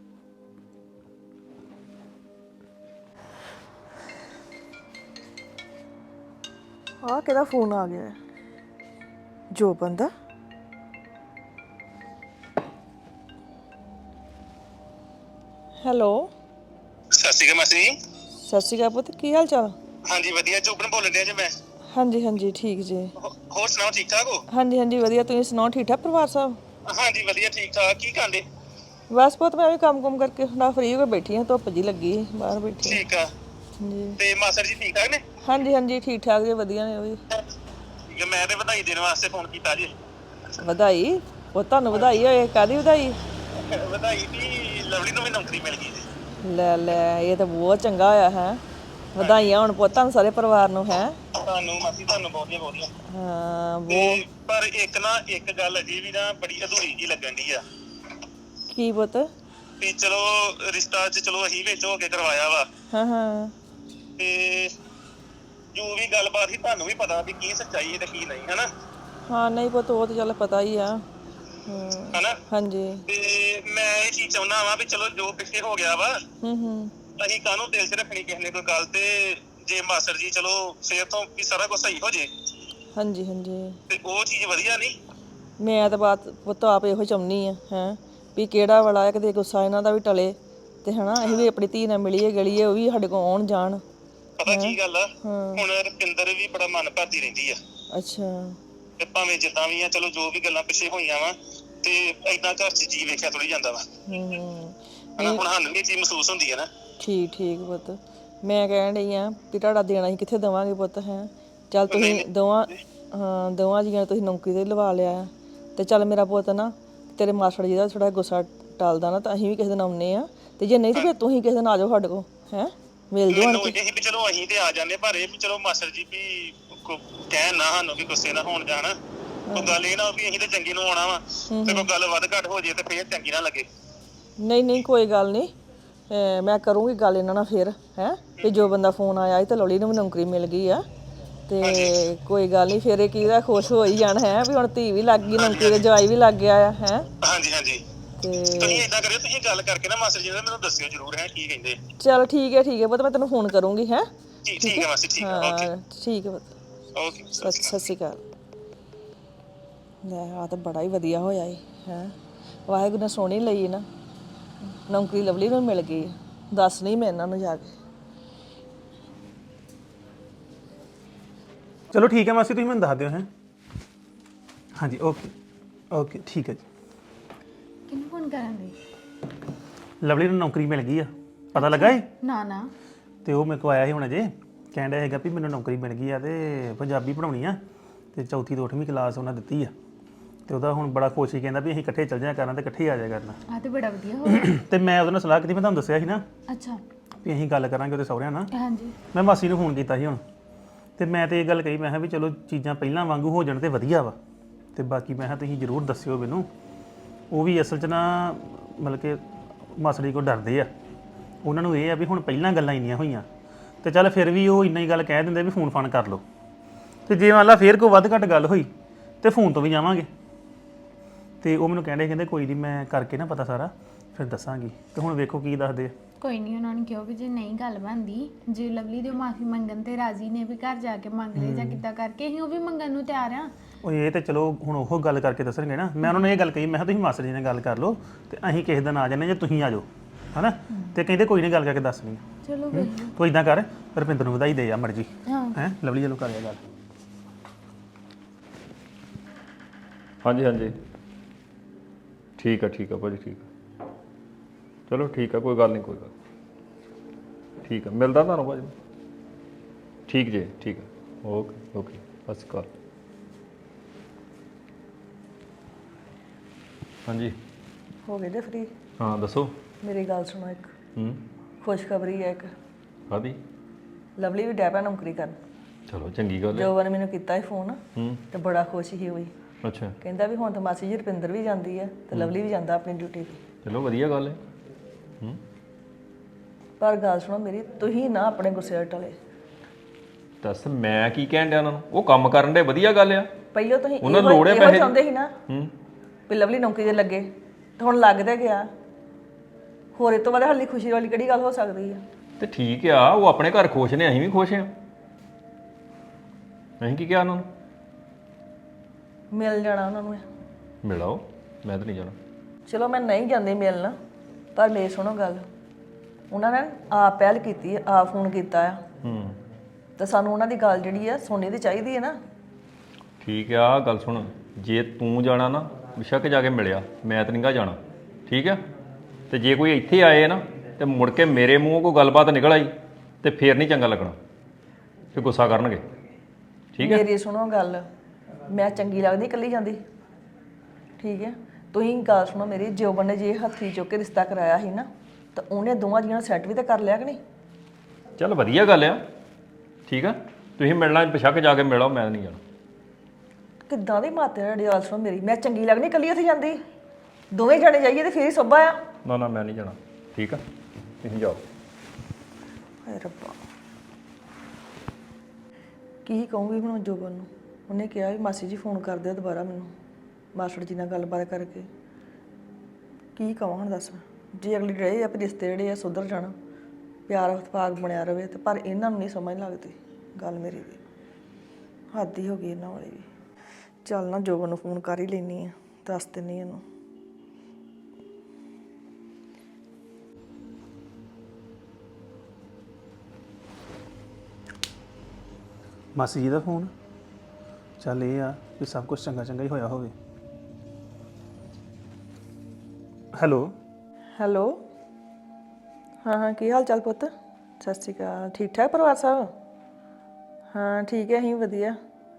ਆਹ ਕਿਹਦਾ ਫੋਨ ਆ ਗਿਆ ਜੋ ਬੰਦਾ ਹੈਲੋ
ਸਤਿ ਸ਼੍ਰੀ ਅਕਾਲ ਮਾਸੀ ਜੀ।
ਸਤਿ ਸ਼੍ਰੀ ਅਕਾਲ ਪੁੱਤ ਕੀ ਹਾਲ ਚਾਲ
ਹਾਂਜੀ ਵਧੀਆ ਜੋਬਨ ਬੋਲ ਰਿਹਾ ਜੀ ਮੈਂ
ਹਾਂਜੀ ਹਾਂਜੀ ਠੀਕ ਜੀ
ਹੋਰ ਸੁਣਾਓ ਠੀਕ ਠਾਕ ਹੋ?
ਹਾਂਜੀ ਹਾਂਜੀ ਵਧੀਆ ਤੁਸੀਂ ਸੁਣਾਓ ਠੀਕ ਠਾਕ ਪਰਿਵਾਰ ਸਭ
ਹਾਂਜੀ ਵਧੀਆ ਠੀਕ ਠਾਕ ਕੀ ਕਰਦੇ?
ਬਸ ਪੁੱਤ ਮੈਂ ਵੀ ਕੰਮ ਕਰਕੇ ਹੁਣ ਫ੍ਰੀ ਹੋ ਕੇ ਬੈਠੀ ਹਾਂ ਧੁੱਪ ਜੀ ਲੱਗੀ ਸੀ, ਬਾਹਰ ਬੈਠੀ
ਠੀਕ ਆ
ਜੀ
ਤੇ ਮਾਸਟਰ ਜੀ ਠੀਕ ਠਾਕ ਨੇ?
ਹਾਂਜੀ ਹਾਂਜੀ ਠੀਕ ਠਾਕ ਜੀ ਵਧੀਆ ਨੇ ਉਹ ਵੀ
ਠੀਕ ਆ, ਮੈਂ ਤੇ ਵਧਾਈ ਦੇਣ ਵਾਸਤੇ ਫੋਨ ਕੀਤਾ ਜੀ।
ਵਧਾਈ ਉਹ ਤੁਹਾਨੂੰ ਵਧਾਈ ਹੋਏ ਕਾਦੀ ਵਧਾਈ
ਵਧਾਈ ਵੀ ਲਵਲੀ ਨੂੰ ਵੀ ਨੌਕਰੀ ਮਿਲ ਗਈ ਜੀ।
ਲੈ ਲੈ, ਇਹ ਤਾਂ ਬਹੁਤ ਚੰਗਾ ਹੋਇਆ ਹੈ। ਵਧਾਈਆਂ ਹੁਣ ਪੁੱਤਾਂ ਸਾਰੇ ਪਰਿਵਾਰ ਨੂੰ ਹੈ।
ਤੁਹਾਨੂੰ ਮਾਸੀ ਤੁਹਾਨੂੰ ਬਹੁਤੀਆਂ ਬਹੁਤੀਆਂ।
ਹਾਂ
ਤੇ ਪਰ ਇੱਕ ਗੱਲ ਅਜੇ ਵੀ ਨਾ ਬੜੀ ਅਧੂਰੀ ਜੀ ਲੱਗਣ ਦੀ ਆ
ਕੀ ਪੁੱਤ?
ਵੀ ਚਲੋ ਰਿਸ਼ਤਾ ਚ ਚਲੋ ਅਸੀਂ ਵਿੱਚ ਹੋ ਕੇ ਕਰਵਾਇਆ ਵਾ
ਹਾਂ ਹਾਂ
ਤੇ ਜੋ ਵੀ ਗੱਲਬਾਤ ਸੀ ਤੁਹਾਨੂੰ ਵੀ ਪਤਾ ਵੀ ਕੀ ਸੱਚਾਈ ਹੈ ਤੇ ਕੀ ਨਹੀਂ ਹਨਾ।
ਹਾਂ ਨਹੀਂ ਪੁੱਤ, ਉਹ ਤਾਂ ਚੱਲ ਪਤਾ ਹੀ ਆ।
ਹਨਾ
ਹਾਂਜੀ।
ਤੇ ਮੈਂ ਇਹ ਚੀਜ਼ ਚਾਹੁੰਦਾ ਵਾਂ ਵੀ ਚਲੋ ਜੋ ਪਿੱਛੇ ਹੋ ਗਿਆ ਵਾ
ਹੂੰ
ਅਸੀਂ ਕਾਹਨੂੰ ਦਿਲ 'ਚ ਰੱਖਣੀ ਕਿਸੇ ਨੇ ਕੋਈ ਗੱਲ ਤੇ ਜੇ ਮਾਸਟਰ ਜੀ ਚਲੋ ਫੇਰ ਤੋਂ ਵੀ ਸਾਰਾ ਕੁਝ ਸਹੀ ਹੋ ਜੇ
ਹਾਂਜੀ ਹਾਂਜੀ।
ਤੇ ਉਹ ਚੀਜ਼ ਵਧੀਆ ਨਹੀਂ।
ਮੈਂ ਤਾਂ ਬਾਤ ਪੁੱਤ ਆਪ ਇਹੋ ਚਾਹੁੰਦੀ ਆ ਹੈ ਵੀ ਕਿਹੜਾ ਵਾਲਾ ਹੈ ਕਿਤੇ ਗੁੱਸਾ ਇਹਨਾਂ ਦਾ ਵੀ ਟਲੇ ਤੇ ਹਨਾ ਅਸੀਂ ਵੀ ਆਪਣੀ ਧੀ ਨਾਲ ਮਿਲੀਏ ਗਲੀਏ, ਉਹ ਵੀ ਸਾਡੇ ਕੋਲ ਆਉਣ ਜਾਣ।
ਪਤਾ ਕੀ ਗੱਲ ਆ ਹੁਣ ਰੁਪਿੰਦਰ ਵੀ ਬੜਾ ਮਨ ਭਰਦੀ ਰਹਿੰਦੀ ਆ।
ਅੱਛਾ।
ਤੇ ਭਾਵੇਂ ਜਿੱਦਾਂ ਵੀ ਆ ਚਲੋ ਜੋ ਵੀ ਗੱਲਾਂ ਪਿੱਛੇ ਹੋਈਆਂ ਵਾ ਤੇ ਏਦਾਂ ਘਰ 'ਚ ਜੀ ਵੇਖਿਆ ਥੋੜੀ ਜਾਂਦਾ ਵਾ ਹਨਾ। ਹੁਣ ਸਾਨੂੰ ਵੀ ਇਹ ਚੀਜ਼ ਮਹਿਸੂਸ ਹੁੰਦੀ ਹੈ ਨਾ।
ਠੀਕ ਠੀਕ ਪੁੱਤ, ਮੈਂ ਕਹਿਣ ਡਈ ਆ ਵੀ ਤੁਹਾਡਾ ਦੇਣਾ ਅਸੀਂ ਕਿੱਥੇ ਦੇਵਾਂਗੇ ਪੁੱਤ ਹੈ। ਚੱਲ ਤੁਸੀਂ ਦੋਵਾਂ ਜੀਆਂ ਤੁਸੀਂ ਨੌਕਰੀ ਤੇ ਲਵਾ ਲਿਆ ਤੇ ਚੱਲ ਮੇਰਾ ਪੁੱਤ ਨਾ ਤੇਰੇ ਮਾਸੜ ਜੀ ਦਾ ਥੋੜਾ ਗੁੱਸਾ ਟਲਦਾ ਨਾ ਤਾਂ ਅਸੀਂ ਵੀ ਕਿਸੇ ਦਿਨ ਆਉਂਦੇ ਆ ਤੇ ਜੇ ਨਹੀਂ ਤਾਂ ਫਿਰ ਤੁਸੀਂ ਕਿਸੇ ਦਿਨ ਆ ਜਾਓ ਸਾਡੇ ਕੋਲ ਹੈ, ਮਿਲ ਜਾਓ।
ਮੈਨੂੰ ਇਹ ਵੀ ਚਲੋ ਅਸੀਂ ਤੇ ਆ ਜਾਂਦੇ ਪਰ ਇਹ ਵੀ ਚਲੋ ਮਾਸਟਰ ਜੀ ਵੀ ਕਹਿਣ ਨਾ ਸਾਨੂੰ ਵੀ ਗੁੱਸੇ ਨਾ ਹੋਣ ਜਾਣ। ਕੋਈ ਗੱਲ ਇਹ ਨਾ ਵੀ ਅਸੀਂ ਤੇ ਚੰਗੀ ਨੂੰ ਆਉਣਾ ਵਾ ਤੇ ਕੋਈ ਗੱਲ ਵੱਧ ਘੱਟ ਹੋ ਜੇ ਤੇ ਫੇਰ ਚੰਗੀ ਨਾ ਲੱਗੇ।
ਨਹੀਂ ਨਹੀਂ ਕੋਈ ਗੱਲ ਨਹੀਂ, ਮੈਂ ਕਰੂੰਗੀ ਗੱਲ ਇਹਨਾਂ ਨਾਲ ਫਿਰ ਹੈ ਵੀ ਜੋ ਬੰਦਾ ਫੋਨ ਆਇਆ ਸੀ ਤੇ ਲਵਲੀ ਨੂੰ ਵੀ ਨੌਕਰੀ ਮਿਲ ਗਈ ਆ ਤੇ ਕੋਈ ਗੱਲ ਨਹੀਂ ਫਿਰ ਇਹ ਕਿਹਦਾ ਖੁਸ਼ ਹੋ ਹੀ ਜਾਣਾ ਹੈ ਵੀ ਹੁਣ ਧੀ ਵੀ ਲੱਗ ਗਈ ਨੌਕਰੀ ਤੇ ਜਵਾਈ ਵੀ ਲੱਗ ਗਿਆ ਆ ਹੈ।
ਹਾਂਜੀ ਹਾਂਜੀ।
ਤੇ
ਤੁਸੀਂ ਏਦਾਂ ਕਰਿਓ, ਤੁਸੀਂ ਗੱਲ ਕਰਕੇ ਨਾ ਮਾਸਟਰ ਜੀ ਨਾਲ ਮੈਨੂੰ ਦੱਸਿਓ ਜ਼ਰੂਰ ਹੈ ਕੀ ਕਹਿੰਦੇ।
ਚਲ ਠੀਕ ਹੈ ਪੁੱਤ, ਮੈਂ ਤੈਨੂੰ ਫੋਨ ਕਰੂੰਗੀ ਹੈ।
ਠੀਕ ਹੈ ਮਾਸੀ, ਠੀਕ ਹੈ। ਓਕੇ
ਠੀਕ ਹੈ ਪੁੱਤ,
ਓਕੇ।
ਸਤਿ ਸ਼੍ਰੀ ਅਕਾਲ। ਲੈ ਆ ਤਾਂ ਬੜਾ ਹੀ ਵਧੀਆ ਹੋਇਆ ਏ ਹੈ, ਵਾਹਿਗੁਰੂ ਨੇ ਸੋਹਣੀ ਲਈ ਨਾ ਨੌਕਰੀ ਲਵਲੀ ਨੂੰ ਮਿਲ ਗਈ। ਦੱਸ ਨਹੀਂ ਮੈਂ ਇਹਨਾਂ ਨੂੰ ਜਾ ਕੇ।
ਚਲੋ ਠੀਕ ਹੈ ਮਾਸੀ, ਤੁਸੀਂ ਮੈਨੂੰ ਦੱਸ ਦਿਓ ਹੈ। ਹਾਂਜੀ ਓਕੇ ਓਕੇ ਠੀਕ ਹੈ ਜੀ।
ਕਿਹਨੂੰ ਫੋਨ ਕਰਨ ਦੇ?
ਲਵਲੀ ਨੂੰ ਨੌਕਰੀ ਮਿਲ ਗਈ ਆ, ਪਤਾ ਲੱਗਾ ਏ?
ਨਾ ਨਾ।
ਤੇ ਉਹ ਮੇਰੇ ਕੋਲ ਆਇਆ ਸੀ ਹੁਣ ਅਜੇ, ਕਹਿਣ ਡਿਆ ਹੈਗਾ ਵੀ ਮੈਨੂੰ ਨੌਕਰੀ ਮਿਲ ਗਈ ਆ ਤੇ ਪੰਜਾਬੀ ਪੜ੍ਹਾਉਣੀ ਆ ਤੇ 4th ਤੋਂ 8ਵੀਂ ਕਲਾਸ ਉਹਨਾਂ ਦਿੱਤੀ ਆ ਤੇ ਉਹਦਾ ਹੁਣ ਬੜਾ ਖੁਸ਼ ਹੀ, ਕਹਿੰਦਾ ਵੀ ਅਸੀਂ ਇਕੱਠੇ ਚੱਲ ਜਾਇਆ ਕਰਨਾ ਤੇ ਇਕੱਠੇ ਆ ਜਾਇਆ ਕਰਨਾ।
ਆ ਤੇ ਬੜਾ ਵਧੀਆ ਹੋਇਆ।
ਤੇ ਮੈਂ ਉਹਦੇ ਨਾਲ ਸਲਾਹ ਕੀਤੀ, ਮੈਂ ਤੁਹਾਨੂੰ ਦੱਸਿਆ ਸੀ ਨਾ
ਅੱਛਾ।
ਵੀ ਅਸੀਂ ਗੱਲ ਕਰਾਂਗੇ ਉਹਦੇ ਸਹੁਰਿਆਂ ਨਾਲ।
ਹਾਂਜੀ।
ਮੈਂ ਮਾਸੀ ਨੂੰ ਫੋਨ ਕੀਤਾ ਸੀ ਹੁਣ ਤੇ ਮੈਂ ਤੇ ਇਹ ਗੱਲ ਕਹੀ, ਮੈਂ ਕਿਹਾ ਵੀ ਚਲੋ ਚੀਜ਼ਾਂ ਪਹਿਲਾਂ ਵਾਂਗੂ ਹੋ ਜਾਣ ਤੇ ਵਧੀਆ ਵਾ ਤੇ ਬਾਕੀ ਮੈਂ ਕਿਹਾ ਤੁਸੀਂ ਜ਼ਰੂਰ ਦੱਸਿਓ ਮੈਨੂੰ। ਉਹ ਵੀ ਅਸਲ 'ਚ ਨਾ ਮਤਲਬ ਕਿ ਮਾਸੜੀ ਕੋਲ ਡਰਦੇ ਆ, ਉਹਨਾਂ ਨੂੰ ਇਹ ਆ ਵੀ ਹੁਣ ਪਹਿਲਾਂ ਗੱਲਾਂ ਇੰਨੀਆਂ ਹੋਈਆਂ ਤੇ ਚੱਲ ਫਿਰ ਵੀ ਉਹ ਇੰਨਾ ਹੀ ਗੱਲ ਕਹਿ ਦਿੰਦੇ ਵੀ ਫੋਨ ਫਾਨ ਕਰ ਲਓ ਤੇ ਜੇ ਮੰਨ ਲਾ ਫਿਰ ਕੋਈ ਵੱਧ ਘੱਟ ਗੱਲ ਹੋਈ ਤੇ ਫੋਨ ਤੋਂ ਵੀ ਜਾਵਾਂਗੇ। ਤੇ ਉਹ ਮੈਨੂੰ ਕਹਿੰਦੇ ਕੋਈ ਨਹੀਂ ਮੈਂ ਕਰਕੇ ਨਾ ਪਤਾ ਸਾਰਾ ਫਿਰ ਦੱਸਾਂਗੀ। ਤੇ ਹੁਣ ਵੇਖੋ ਕੀ ਦੱਸਦੇ ਆ।
ਕੋਈ ਨਹੀਂ, ਉਹਨਾਂ ਨੇ ਕਿਹਾ ਵੀ ਜੇ ਨਹੀਂ ਗੱਲ ਬਣਦੀ, ਜੇ ਲਵਲੀ ਦੇ ਮਾਫੀ ਮੰਗਣ ਤੇ ਰਾਜ਼ੀ ਨੇ ਵੀ ਘਰ ਜਾ ਕੇ ਮੰਗ ਲਈ ਜਾਂ ਕਿੱਦਾਂ ਕਰਕੇ, ਅਸੀਂ ਉਹ ਵੀ ਮੰਗਣ ਨੂੰ ਤਿਆਰ ਆ।
ਉਹ ਇਹ ਤੇ ਚਲੋ ਹੁਣ ਉਹ ਗੱਲ ਕਰਕੇ ਦੱਸਣਗੇ ਨਾ। ਮੈਂ ਉਹਨਾਂ ਨੂੰ ਇਹ ਗੱਲ ਕਹੀ, ਮੈਂ ਕਿਹਾ ਤੁਸੀਂ ਮਾਸਟਰ ਜੀ ਨਾਲ ਗੱਲ ਕਰ ਲਓ ਤੇ ਅਸੀਂ ਕਿਸੇ ਦਿਨ ਆ ਜਾਂਦੇ ਜੇ ਤੁਸੀਂ ਆ ਜਾਓ ਹਨਾ। ਤੇ ਕਹਿੰਦੇ ਕੋਈ ਨਹੀਂ ਗੱਲ ਕਰਕੇ ਦੱਸਣੀ।
ਚਲੋ ਬਈ।
ਤੂੰ ਇਦਾਂ ਕਰ, ਰੁਪਿੰਦਰ ਨੂੰ ਵਧਾਈ ਦੇ ਆ ਮਰਜੀ
ਹਾਂ।
ਹੈ, ਲਵਲੀ ਜਲੋ ਕਰਿਆ ਗੱਲ।
ਹਾਂਜੀ ਹਾਂਜੀ ਠੀਕ ਆ ਭਾਜੀ, ਠੀਕ ਆ ਚਲੋ ਠੀਕ ਆ, ਕੋਈ ਗੱਲ ਨਹੀਂ, ਕੋਈ ਗੱਲ ਠੀਕ ਆ, ਮਿਲਦਾ ਤੁਹਾਨੂੰ ਭਾਜੀ। ਠੀਕ ਜੀ, ਠੀਕ ਆ, ਓਕੇ ਓਕੇ, ਸਤਿ ਸ਼੍ਰੀ ਅਕਾਲ। ਹਾਂਜੀ
ਹੋ ਗਏ ਜੇ ਫਰੀ?
ਹਾਂ ਦੱਸੋ।
ਮੇਰੀ ਗੱਲ ਸੁਣੋ, ਇੱਕ ਖੁਸ਼ਖਬਰੀ ਹੈ ਇੱਕ।
ਕਾਹਦੀ?
ਲਵਲੀ ਵੀ ਡੈ ਪਿਆ ਨੌਕਰੀ ਕਰਨ।
ਚਲੋ ਚੰਗੀ ਗੱਲ ਹੈ।
ਜੋਬਨ ਨੇ ਮੈਨੂੰ ਕੀਤਾ ਸੀ ਫੋਨ ਤੇ ਬੜਾ ਖੁਸ਼ ਹੀ ਹੋਈ।
ਅੱਛਾ।
ਕਹਿੰਦਾ ਵੀ ਹੁਣ ਤਾਂ ਮਾਸੀ ਜੀ ਰੁਪਿੰਦਰ ਵੀ ਜਾਂਦੀ ਹੈ ਤੇ ਲਵਲੀ ਵੀ ਜਾਂਦਾ ਆਪਣੀ ਡਿਊਟੀ ਤੇ।
ਚਲੋ ਵਧੀਆ ਗੱਲ ਹੈ।
ਪਰ ਗੱਲ ਸੁਣੋ ਮੇਰੀ, ਤੁਸੀਂ ਨਾ ਆਪਣੇ ਗੁੱਸੇ ਟਲੇ।
ਦੱਸ ਮੈਂ ਕੀ ਕਹਿਣ ਡਿਆ ਉਹਨਾਂ ਨੂੰ? ਉਹ ਕੰਮ ਕਰਨ ਦੇ, ਵਧੀਆ ਗੱਲ ਆ।
ਪਹਿਲਾਂ ਤੁਸੀਂ
ਉਹਨਾਂ ਨੂੰ ਲੋੜ ਹੈ ਪੈਸੇ।
ਚਾਹੁੰਦੇ ਸੀ ਨਾ ਵੀ ਲਵਲੀ ਨੌਕਰੀ ਤੇ ਲੱਗੇ ਤੇ ਹੁਣ ਲੱਗ ਤੇ ਗਿਆ। ਹੋਰ ਇਹ ਤੋਂ ਬਾਅਦ ਹਾਲੀ ਖੁਸ਼ੀ ਵਾਲੀ ਕਿਹੜੀ ਗੱਲ ਹੋ ਸਕਦੀ ਹੈ?
ਤੇ ਠੀਕ ਆ, ਉਹ ਆਪਣੇ ਘਰ ਖੁਸ਼ ਨੇ, ਅਸੀਂ ਵੀ ਖੁਸ਼ ਹਾਂ। ਅਸੀਂ ਕੀ ਕਿਹਾ ਉਹਨਾਂ ਨੂੰ?
ਮਿਲ ਜਾਣਾ ਉਹਨਾਂ ਨੂੰ।
ਮਿਲਾਓ, ਮੈਂ ਤਾਂ ਨਹੀਂ ਜਾਣਾ।
ਚਲੋ ਮੈਂ ਨਹੀਂ ਜਾਂਦੀ ਮਿਲਣ, ਪਰ ਮੇਰੀ ਸੁਣੋ ਗੱਲ, ਉਹਨਾਂ ਨੇ ਆਪ ਪਹਿਲ ਕੀਤੀ ਹੈ, ਆਪ ਫੋਨ ਕੀਤਾ ਆ ਤੇ ਸਾਨੂੰ ਉਹਨਾਂ ਦੀ ਗੱਲ ਜਿਹੜੀ ਆ ਸੁਣਨੀ ਤੇ ਚਾਹੀਦੀ ਹੈ ਨਾ।
ਠੀਕ ਆ, ਗੱਲ ਸੁਣ, ਜੇ ਤੂੰ ਜਾਣਾ ਨਾ ਬਿਸ਼ੱਕ ਜਾ ਕੇ ਮਿਲਿਆ, ਮੈਂ ਤਾਂ ਨਹੀਂਗਾ ਜਾਣਾ, ਠੀਕ ਆ। ਤੇ ਜੇ ਕੋਈ ਇੱਥੇ ਆਏ ਨਾ ਤੇ ਮੁੜ ਕੇ ਮੇਰੇ ਮੂੰਹੋਂ ਕੋਈ ਗੱਲਬਾਤ ਨਿਕਲ ਆਈ ਤੇ ਫੇਰ ਨਹੀਂ ਚੰਗਾ ਲੱਗਣਾ, ਫਿਰ ਗੁੱਸਾ ਕਰਨਗੇ, ਠੀਕ ਹੈ।
ਮੇਰੀ ਸੁਣੋ ਗੱਲ, ਮੈਂ ਚੰਗੀ ਲੱਗਦੀ ਇਕੱਲੀ ਜਾਂਦੀ? ਠੀਕ ਹੈ, ਤੁਸੀਂ ਗੱਲ ਸੁਣੋ ਮੇਰੀ, ਜੋਬਨ ਨੇ ਜੇ ਹੱਥੀ ਚੁੱਕ ਕੇ ਰਿਸ਼ਤਾ ਕਰਾਇਆ ਸੀ ਨਾ ਤਾਂ ਉਹਨੇ ਦੋਵਾਂ ਜੀਆਂ ਨੂੰ ਸੈੱਟ ਵੀ ਤਾਂ ਕਰ ਲਿਆ ਕਿ ਨਹੀਂ?
ਚੱਲ ਵਧੀਆ ਗੱਲ ਆ, ਠੀਕ ਆ। ਤੁਸੀਂ ਮਿਲਣਾ ਪਿਛਕ ਜਾ ਕੇ ਮਿਲੋ, ਮੈਂ ਨਹੀਂ ਜਾਣਾ।
ਕਿੱਦਾਂ ਦੀ ਮਾਤੇ ਤੁਹਾਡੀ ਗੱਲ ਸੁਣੋ ਮੇਰੀ, ਮੈਂ ਚੰਗੀ ਲੱਗਣੀ ਇਕੱਲੀ ਉੱਥੇ ਜਾਂਦੀ? ਦੋਵੇਂ ਜਾਣੇ ਜਾਈਏ ਤੇ ਫੇਰ ਹੀ ਸੋਭਾ ਆ।
ਨਾ ਨਾ ਮੈਂ ਨਹੀਂ ਜਾਣਾ, ਠੀਕ ਆ, ਤੁਸੀਂ ਜਾਓ।
ਹਾਏ ਰੱਬਾ, ਕੀ ਕਹੂੰਗੀ ਹੁਣ ਜੋਬਨ ਨੂੰ? ਉਹਨੇ ਕਿਹਾ ਵੀ ਮਾਸੀ ਜੀ ਫੋਨ ਕਰ ਦਿਓ ਦੁਬਾਰਾ ਮੈਨੂੰ, ਮਾਸਟਰ ਜੀ ਨਾਲ ਗੱਲਬਾਤ ਕਰਕੇ। ਕੀ ਕਹਾਂ ਹੁਣ ਦੱਸ? ਜੇ ਅਗਲੀ ਰਹੇ ਆ ਵੀ ਰਿਸ਼ਤੇ ਜਿਹੜੇ ਆ ਸੁਧਰ ਜਾਣ, ਪਿਆਰ ਇਤਫਾਕ ਬਣਿਆ ਰਵੇ, ਤੇ ਪਰ ਇਹਨਾਂ ਨੂੰ ਨਹੀਂ ਸਮਝ ਲੱਗਦੀ ਗੱਲ ਮੇਰੀ ਵੀ। ਹੱਦ ਹੀ ਹੋ ਗਈ ਇਹਨਾਂ ਵਾਲੀ ਵੀ। ਚੱਲ ਨਾ ਜੋਬਨ ਨੂੰ ਫੋਨ ਕਰ ਹੀ ਲੈਣੀ ਆ, ਦੱਸ ਦਿੰਨੀ ਇਹਨੂੰ।
ਮਾਸੀ ਜੀ ਦਾ ਫੋਨ। ਚੱਲ ਇਹ ਆ ਕਿ ਸਭ ਕੁਝ ਚੰਗਾ ਚੰਗਾ ਹੀ ਹੋਇਆ ਹੋਵੇ। ਹੈਲੋ।
ਹੈਲੋ, ਹਾਂ ਕੀ ਹਾਲ ਚਾਲ ਪੁੱਤ? ਸਤਿ ਸ਼੍ਰੀ ਅਕਾਲ। ਠੀਕ ਠਾਕ ਪਰਿਵਾਰ ਸਭ? ਹਾਂ ਠੀਕ ਹੈ, ਅਸੀਂ ਵਧੀਆ।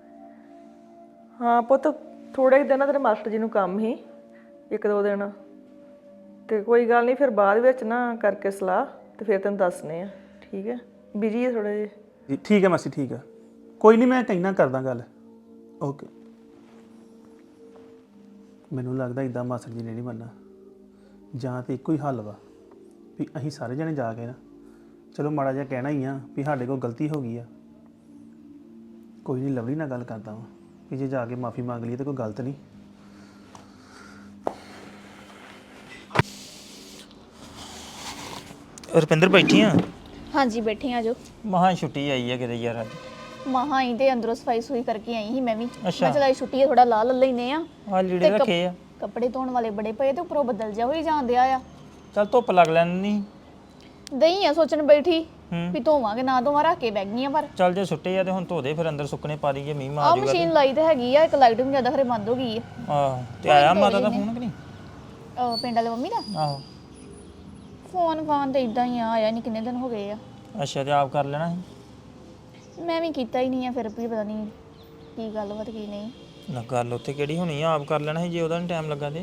ਹਾਂ ਪੁੱਤ, ਥੋੜ੍ਹੇ ਦਿਨ ਤੇਰੇ ਮਾਸਟਰ ਜੀ ਨੂੰ ਕੰਮ ਸੀ, 1-2 ਦਿਨ, ਤੇ ਕੋਈ ਗੱਲ ਨਹੀਂ, ਫਿਰ ਬਾਅਦ ਵਿੱਚ ਨਾ ਕਰਕੇ ਸਲਾਹ ਤੇ ਫਿਰ ਤੈਨੂੰ ਦੱਸਨੇ ਆ, ਠੀਕ ਹੈ? ਬਿਜੀ ਹੈ ਥੋੜ੍ਹਾ ਜਿਹਾ।
ਜੀ ਠੀਕ ਹੈ ਮਾਸੀ, ਠੀਕ ਹੈ, ਕੋਈ ਨਹੀਂ, ਮੈਂ ਕਹਿਣਾ ਕਰਦਾ ਗੱਲ। ਓਕੇ। ਮੈਨੂੰ ਲੱਗਦਾ ਇਦਾਂ ਮਾਸਟਰ ਜੀ ਨੇ ਨਹੀਂ ਮੰਨਣਾ, ਜਾਂ ਤਾਂ ਇੱਕੋ ਹੀ ਹੱਲ ਵਾ ਵੀ ਅਸੀਂ ਸਾਰੇ ਜਣੇ ਜਾ ਕੇ ਨਾ, ਚਲੋ ਮਾੜਾ ਜਿਹਾ ਕਹਿਣਾ ਹੀ ਆ ਵੀ ਸਾਡੇ ਕੋਲ ਗਲਤੀ ਹੋ ਗਈ ਆ। ਕੋਈ ਨਹੀਂ, ਲਵਲੀ ਨਾਲ ਗੱਲ ਕਰਦਾ ਵਾਂ ਵੀ ਜੇ ਜਾ ਕੇ ਮਾਫੀ ਮੰਗ ਲਈਏ ਤਾਂ ਕੋਈ ਗਲਤ ਨਹੀਂ।
ਰੁਪਿੰਦਰ ਬੈਠੀ ਆ?
ਹਾਂਜੀ ਬੈਠੇ ਆ ਜੋ।
ਮਹਾਂ ਛੁੱਟੀ ਆਈ ਆ ਕਿਤੇ ਯਾਰ ਅੱਜ।
ਮਹਾਂ ਹੀ ਤੇ ਅੰਦਰੋਂ ਸਫਾਈ ਸੁਈ ਕਰਕੇ ਆਈ ਸੀ ਮੈਂ ਵੀ।
ਅੱਛਾ।
ਮੈਂ ਚਲਾਈ ਛੁੱਟੀ ਆ, ਥੋੜਾ ਲਾ ਲੈਨੇ ਆ।
ਆ ਲੀੜੇ ਰੱਖੇ ਆ।
ਕੱਪੜੇ ਧੋਣ ਵਾਲੇ ਬੜੇ ਪਏ ਤੇ ਉੱਪਰੋਂ ਬੱਦਲ ਜਿਹਾ ਹੋਈ ਜਾਂਦੇ ਆ।
ਚੱਲ ਧੁੱਪ ਲੱਗ ਲੈਣੀ।
ਦਈ ਆ ਸੋਚਣ ਬੈਠੀ ਵੀ ਧੋਵਾਂਗੇ ਨਾ ਧੋਵਾਂ, ਰੱਖ ਕੇ ਬੈਗ ਗਈਆਂ। ਪਰ
ਚੱਲ ਜੇ ਸੁੱਟੇ ਆ ਤੇ ਹੁਣ ਧੋ ਦੇ, ਫਿਰ ਅੰਦਰ ਸੁੱਕਣੇ ਪਾ ਦਈਏ, ਮੀਂਹ
ਆ
ਮਾਰ ਜੂਗਾ।
ਮਸ਼ੀਨ ਲਾਈ ਤੇ ਹੈਗੀ ਆ, ਇੱਕ ਲਾਈਟ ਵੀ ਜ਼ਿਆਦਾ ਖਰੇ ਬੰਦ ਹੋ ਗਈ ਆ।
ਆਹ ਤੇ ਆਇਆ ਮਾਤਾ ਦਾ ਫੋਨ ਕਿ ਨਹੀਂ?
ਪਿੰਡ ਵਾਲੇ ਮੰਮੀ ਦਾ
ਆਹੋ।
ਫੋਨ ਫਾਨ ਤੇ ਇਦਾਂ ਹੀ ਆ, ਆਇਆ ਨਹੀਂ, ਕਿੰਨੇ ਦਿਨ ਹੋ ਗਏ ਆ।
ਅੱਛਾ, ਤੇ ਆਪ ਕਰ ਲੈਣਾ ਸੀ।
ਮੈਂ ਵੀ ਕੀਤਾ ਹੀ ਨਹੀਂ ਆ, ਫਿਰ ਵੀ ਪਤਾ ਨਹੀਂ ਕੀ ਗੱਲਬਾਤ ਕੀ ਨਹੀਂ।
ਨਾ ਗੱਲ ਉੱਥੇ ਕਿਹੜੀ ਹੋਣੀ ਆ, ਆਪ ਕਰ ਲੈਣਾ ਸੀ ਜੇ ਉਹਦਾ ਨਹੀਂ ਟਾਈਮ ਲੱਗਾ ਤੇ।